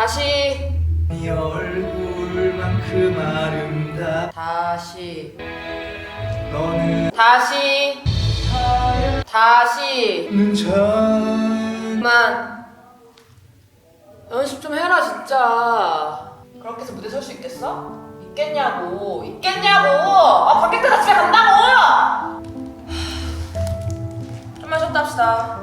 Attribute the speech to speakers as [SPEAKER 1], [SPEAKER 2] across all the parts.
[SPEAKER 1] 다시.
[SPEAKER 2] 네 얼굴만큼 아름다.
[SPEAKER 1] 다시.
[SPEAKER 2] 너는
[SPEAKER 1] 다시. 다시.
[SPEAKER 2] 전
[SPEAKER 1] 그만. 연습 좀 해라 진짜. 그렇게 해서 무대 설 수 있겠어? 있겠냐고. 있겠냐고. 아 관객들 다 집에 간다고. 좀만 쉬었다 합시다.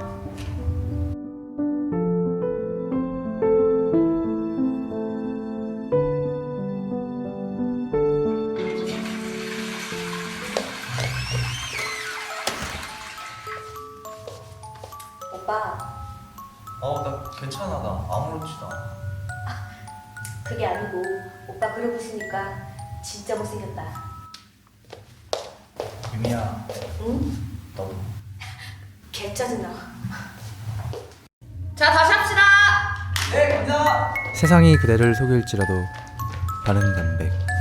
[SPEAKER 3] 오빠,
[SPEAKER 2] 나 괜찮아. 나 아무렇지도 않아.
[SPEAKER 3] 그게 아니고 오빠 그러고 있으니까 진짜 못생겼다.
[SPEAKER 2] 유미야,
[SPEAKER 3] 응?
[SPEAKER 2] 너도.
[SPEAKER 3] 개 짜증나.
[SPEAKER 1] 자 다시 합시다.
[SPEAKER 2] 네, 감사합니다.
[SPEAKER 4] 세상이 그대를 속일지라도 바른 담백